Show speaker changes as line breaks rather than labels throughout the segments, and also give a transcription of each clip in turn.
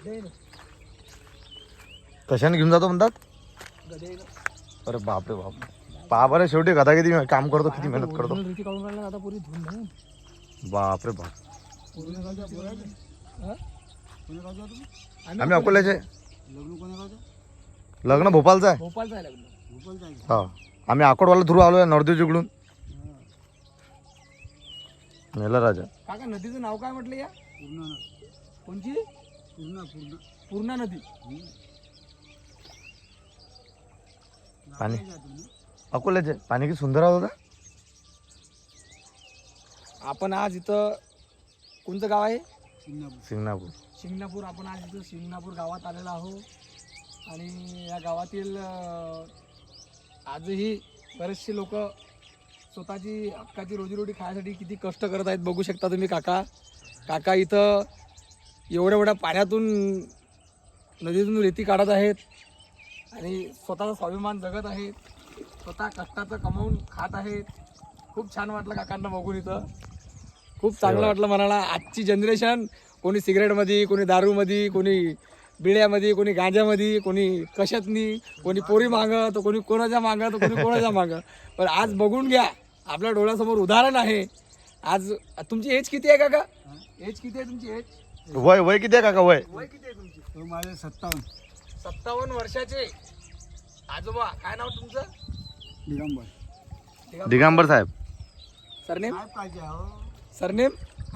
कशाने घेऊन जातो म्हणतात? अरे बापरे बाप, पहा बरं शेवटी गदा किती काम करतो, किती मेहनत करतो. बापरे बाप. आम्ही अकोल्याचे. लग्न भोपाळचं आहे. हा, आम्ही अकोटवाला थ्रू आलोय नवरदेव जिकडून. मेला राजा.
काका नदीचं नाव काय म्हटलं या? कोणची? पूर्णा नदी.
पाणी अकोल्याचे पाणी किती सुंदर होता.
आपण आज इथं कोणतं गाव आहे?
सिंगणापूर.
शिंगणापूर. आपण आज इथं शिंगणापूर गावात आलेलो आहोत आणि या गावातील आजही बरेचसे लोक स्वतःची हक्काची रोजीरोटी खाण्यासाठी किती कष्ट करत आहेत बघू शकता तुम्ही. काका इथं एवढ्या पाण्यातून नदीतून रेती काढत आहेत आणि स्वतःचा स्वाभिमान जगत आहेत, स्वतः कष्टाचं कमावून खात आहेत. खूप छान वाटलं काकांना बघून इथं. खूप चांगलं वाटलं मनाला. आजची जनरेशन कोणी सिगरेटमध्ये, कोणी दारूमध्ये, कोणी बिड्यामध्ये, कोणी गांजामध्ये, कोणी कशातनी, कोणी पोरी मागं, तर कोणी कोणाच्या मागं, तर कोणी कोणाच्या मागं. पण आज बघून घ्या, आपल्या डोळ्यासमोर उदाहरण आहे. आज तुमची एज किती आहे काका? एज किती आहे तुमची? एज
वय किती आहे काका? वय
किती आहे तुमची?
माझे 57.
57 वर्षाचे आजोबा. काय नाव तुमचं?
दिगंबर साहेब.
सरनेम?
पाहिजे हो.
सरनेम?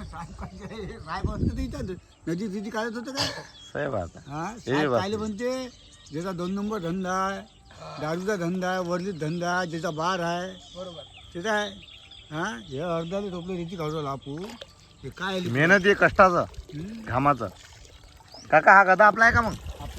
नदी तिथे काढत होतं काय?
साहेब आता
काय म्हणते, ज्याचा 2 नंबर धंदा आहे, दारूचा धंदा आहे, वर्जित धंदा आहे, ज्याचा बार आहे,
बरोबर
त्याचा आहे. हा, हे अर्ध्याला टोपले रीती काढू लापू. हे काय
मेहनत आहे, कष्टाचं, घामाचं. काका हा गदा आपला आहे का? मग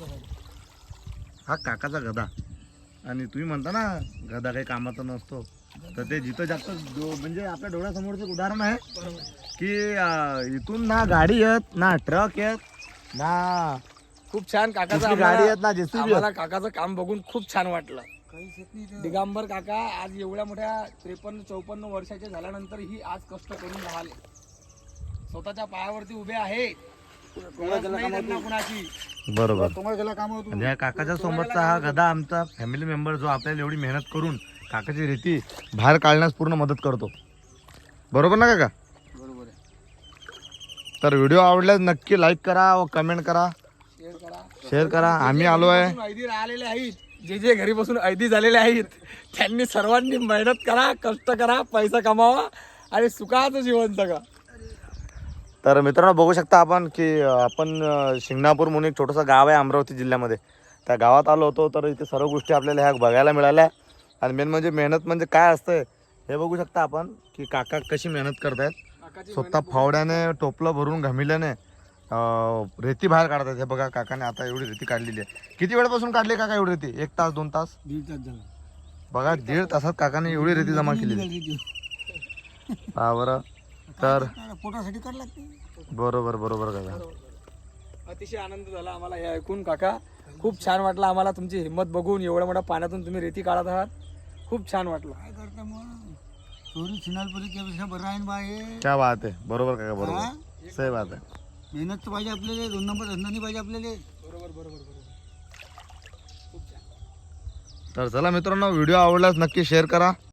हा काकाचा गदा. आणि तुम्ही म्हणता ना गदा काही कामाचा नसतो, तर ते जिथं जास्त म्हणजे आपल्या डोळ्यासमोरचं उदाहरण आहे की इथून ना गाडी येत, ना ट्रक येत, ना
खूप छान काकाचं
गाडी येत, ना जेसीबी.
आम्हाला काकाचं काम बघून खूप छान वाटलं. दिगंबर काका आज एवढ्या मोठ्या 53-54 वर्षाचे झाल्यानंतर ही आज कष्ट करून राहिले, स्वतःच्या पायावरती उभे आहेत. कुणाची.
बरोबर.
तुम्हाला काम होतो.
म्हणजे काकाच्या सोबतचा हा गदा आमचा फॅमिली मेंबर, जो आपल्याला एवढी मेहनत करून काकाची रेती बाहेर काढण्यास पूर्ण मदत करतो. बरोबर ना काका?
बरोबर आहे.
तर व्हिडिओ आवडल्यास नक्की लाईक करा व कमेंट करा, शेअर करा. आम्ही आलो आहे,
ऐदी राहिलेले आहेत, जे घरी बसून ऐदी झालेले आहेत, त्यांनी सर्वांनी मेहनत करा, कष्ट करा, पैसा कमावा आणि सुखाचं जीवन जगा.
तर मित्रांनो बघू शकता आपण की आपण शिंगणापूर म्हणून एक छोटंसं गाव आहे अमरावती जिल्ह्यामध्ये. त्या गावात आलो होतो, तर इथे सर्व गोष्टी आपल्याला ह्या बघायला मिळाल्या. आणि मेन म्हणजे मेहनत म्हणजे काय असतं हे बघू शकता आपण की काका कशी मेहनत करतायत. स्वतः फावड्याने टोपलं भरून घमिल्याने रेती बाहेर काढतात. हे बघा काकाने आता एवढी रेती काढलेली आहे. किती वेळापासून काढली काका एवढी रेती? 1 तास 2 तास?
1.5 तास झाला.
बघा 1.5 तासात काकाने एवढी रेती जमा केली. हा बरं. तर
पोटासाठी करायला लागते.
बरोबर काका.
अतिशय आनंद झाला आम्हाला हे ऐकून काका. खूप छान वाटलं आम्हाला तुमची हिंमत बघून. एवढ्या मोठ्या पाण्यातून तुम्ही रेती काढत आहात, खूप छान वाटलं.
काय करता मग, चोरी चिनालपरी त्यापेक्षा बरं आहे बा. हे
क्या बात आहे. बरोबर काका, बरोबर, सही बात आहे.
मेहनत तर पाहिजे आपल्याला, 2 नंबर धंदा नाही पाहिजे आपल्याला.
बरोबर. खूप छान.
तर चला मित्रांनो, व्हिडिओ आवडल्यास नक्की शेअर करा.